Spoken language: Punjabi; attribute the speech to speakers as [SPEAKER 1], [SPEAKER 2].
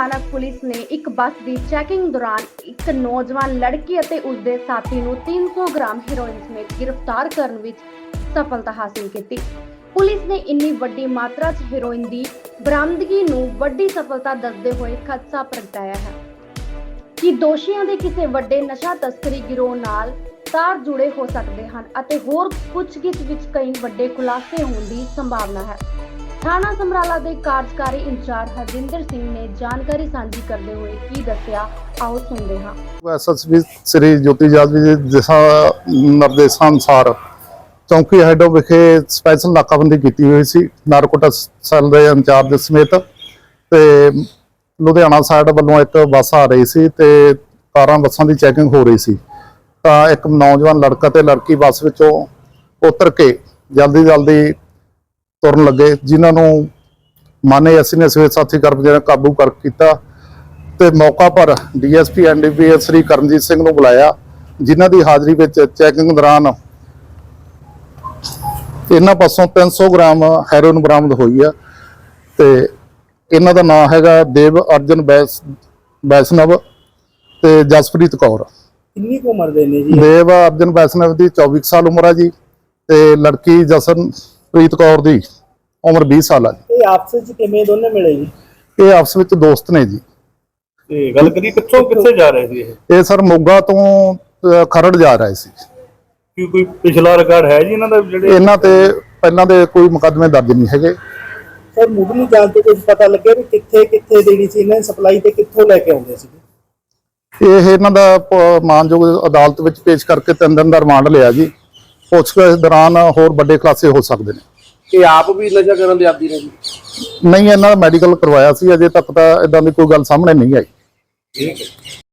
[SPEAKER 1] ਸਥਾਨਕ ਪੁਲਿਸ ਨੇ ਇੱਕ ਬੱਸ ਦੀ ਚੈਕਿੰਗ ਦੌਰਾਨ ਇੱਕ ਨੌਜਵਾਨ ਲੜਕੀ ਅਤੇ ਉਸਦੇ ਸਾਥੀ ਨੂੰ 300 ਗ੍ਰਾਮ ਹੈਰੋਇਨ ਸਮੇਤ ਗ੍ਰਿਫਤਾਰ ਕਰਨ ਵਿੱਚ ਸਫਲਤਾ ਹਾਸਲ ਕੀਤੀ। ਪੁਲਿਸ ਨੇ ਇੰਨੀ ਵੱਡੀ ਮਾਤਰਾ 'ਚ ਹੈਰੋਇਨ ਦੀ ਬਰਾਮਦਗੀ ਨੂੰ ਵੱਡੀ ਸਫਲਤਾ ਦੱਸਦੇ ਹੋਏ ਖਦਸ਼ਾ ਪ੍ਰਗਟਾਇਆ ਹੈ ਕਿ ਦੋਸ਼ੀਆਂ ਦੇ ਕਿਸੇ ਵੱਡੇ ਨਸ਼ਾ ਤਸਕਰੀ ਗਿਰੋਹ ਨਾਲ ਤਾਰ ਜੁੜੇ ਹੋ ਸਕਦੇ ਹਨ ਅਤੇ ਹੋਰ ਪੁੱਛਗਿੱਛ ਵਿੱਚ ਕਈ ਵੱਡੇ ਖੁਲਾਸੇ ਹੋਣ ਦੀ ਸੰਭਾਵਨਾ ਹੈ। ਥਾਣਾ ਸਮਰਾਲਾ ਦੇ ਕਾਰਜਕਾਰੀ ਇੰਚਾਰਜ ਹਰਜਿੰਦਰ ਸਿੰਘ ਨੇ ਜਾਣਕਾਰੀ ਸਾਂਝੀ ਕਰਦੇ ਹੋਏ ਕੀ ਦੱਸਿਆ, ਆਓ ਸੁਣਦੇ ਹਾਂ।
[SPEAKER 2] ਐਸਐਸਪੀ ਸ੍ਰੀ ਜੋਤੀ ਜਾਦਵੀ ਦੇ ਨਿਰਦੇਸ਼ਾਂ ਅਨੁਸਾਰ ਚੌਂਕੀ ਹੈਡੋ ਵਿਖੇ ਸਪੈਸ਼ਲ ਨਾਕਾਬੰਦੀ ਕੀਤੀ ਹੋਈ ਸੀ ਨਾਰਕੋਟਿਕਸ ਸੈੱਲ ਦੇ ਇੰਚਾਰਜ ਸਮੇਤ। ਤੇ ਲੁਧਿਆਣਾ ਸਾਈਡ ਵੱਲੋਂ ਇੱਕ ਬੱਸ ਆ ਰਹੀ ਸੀ ਤੇ ਕਾਰਾਂ ਬੱਸਾਂ ਦੀ ਚੈਕਿੰਗ ਹੋ ਰਹੀ ਸੀ ਤਾਂ ਇੱਕ ਨੌਜਵਾਨ ਲੜਕਾ ਤੇ ਲੜਕੀ ਬੱਸ ਵਿੱਚੋਂ ਉਤਰ ਕੇ ਜਲਦੀ ਤੁਰਨ ਲੱਗੇ, ਜਿਨ੍ਹਾਂ ਨੂੰ ਮਾਨੇ ਅਸੀਂ ਨੇ ਸਵੇਤ ਸਾਥੀ ਕਰਮਚਾਰੀਆਂ ਕਾਬੂ ਕਰ ਕੀਤਾ ਤੇ ਮੌਕਾ ਪਰ ਡੀਐਸਪੀ ਐਨਡੀਪੀਐਸ ਸ੍ਰੀ ਕਰਮਜੀਤ ਸਿੰਘ ਨੂੰ ਬੁਲਾਇਆ, ਜਿਨ੍ਹਾਂ ਦੀ ਹਾਜ਼ਰੀ ਵਿੱਚ ਚੈਕਿੰਗ ਦੌਰਾਨ ਇਹਨਾਂ ਪਾਸੋਂ 300 ਗ੍ਰਾਮ ਹੈਰੋਇਨ ਬਰਾਮਦ ਹੋਈ ਆ। ਤੇ ਇਹਨਾਂ ਦਾ ਨਾਮ ਹੈਗਾ ਦੇਵ ਅਰਜਨ ਵੈਸ਼ਨਵ ਤੇ ਜਸਪ੍ਰੀਤ ਕੌਰ।
[SPEAKER 3] ਕਿੰਨੀ ਕੁ ਉਮਰ ਦੇ ਨੇ ਜੀ?
[SPEAKER 2] ਦੇਵ ਅਰਜਨ ਵੈਸ਼ਨਵ ਦੀ 24 ਸਾਲ ਉਮਰ ਆ ਜੀ ਤੇ ਲੜਕੀ ਜਸਨਪ੍ਰੀਤ ਕੌਰ ਦੀ ਉਮਰ 20 ਸਾਲ ਆ ਜੀ।
[SPEAKER 3] ਇਹ ਆਪਸ ਵਿੱਚ ਕਿਵੇਂ ਦੋਨੇ ਮਿਲੇ ਜੀ?
[SPEAKER 2] ਇਹ ਆਪਸ ਵਿੱਚ ਦੋਸਤ ਨੇ ਜੀ।
[SPEAKER 3] ਤੇ ਗੱਲ ਕਰੀ ਕਿੱਥੇ ਜਾ ਰਹੇ ਸੀ
[SPEAKER 2] ਇਹ ਸਰ ਮੋਗਾ ਤੋਂ ਖਰੜ ਜਾ ਰਹੇ ਸੀ।
[SPEAKER 3] ਕੀ ਕੋਈ ਪਿਛਲਾ ਰਿਕਾਰਡ ਹੈ ਜੀ ਇਹਨਾਂ ਦਾ? ਜਿਹੜੇ
[SPEAKER 2] ਇਹਨਾਂ ਤੇ ਪਹਿਲਾਂ ਦੇ ਕੋਈ ਮੁਕੱਦਮੇ ਦਰਜ ਨਹੀਂ ਹੈਗੇ।
[SPEAKER 3] ਸਰ ਮੁੱਢਲੀ ਜਾਂਚ ਤੋਂ ਕੁਝ ਪਤਾ ਲੱਗਿਆ ਵੀ ਕਿੱਥੇ ਦੇਣੀ ਸੀ ਇਹਨਾਂ ਦੀ ਸਪਲਾਈ ਤੇ ਕਿੱਥੋਂ ਲੈ ਕੇ ਆਉਂਦੇ ਸੀ?
[SPEAKER 2] ਇਹ ਇਹਨਾਂ ਦਾ ਮਾਨਯੋਗ ਅਦਾਲਤ ਵਿੱਚ ਪੇਸ਼ ਕਰਕੇ 3 ਦਿਨ ਦਾ ਰਿਮਾਂਡ ਲਿਆ ਜੀ। ਪੁੱਛਗਿੱਛ ਦੌਰਾਨ ਹੋਰ ਵੱਡੇ ਖੁਲਾਸੇ ਹੋ ਸਕਦੇ ਨੇ।
[SPEAKER 3] ਇਹ ਆਪ ਵੀ ਨਸ਼ਾ ਕਰਨ ਦੇ ਆਦੀ ਨੇ ਜੀ?
[SPEAKER 2] ਨਹੀਂ, ਇਹਨਾਂ ਦਾ ਮੈਡੀਕਲ ਕਰਵਾਇਆ ਸੀ, ਅਜੇ ਤੱਕ ਤਾਂ ਇਦਾਂ ਦੀ ਕੋਈ ਗੱਲ ਸਾਹਮਣੇ ਨਹੀਂ ਆਈ।
[SPEAKER 3] ਠੀਕ ਹੈ।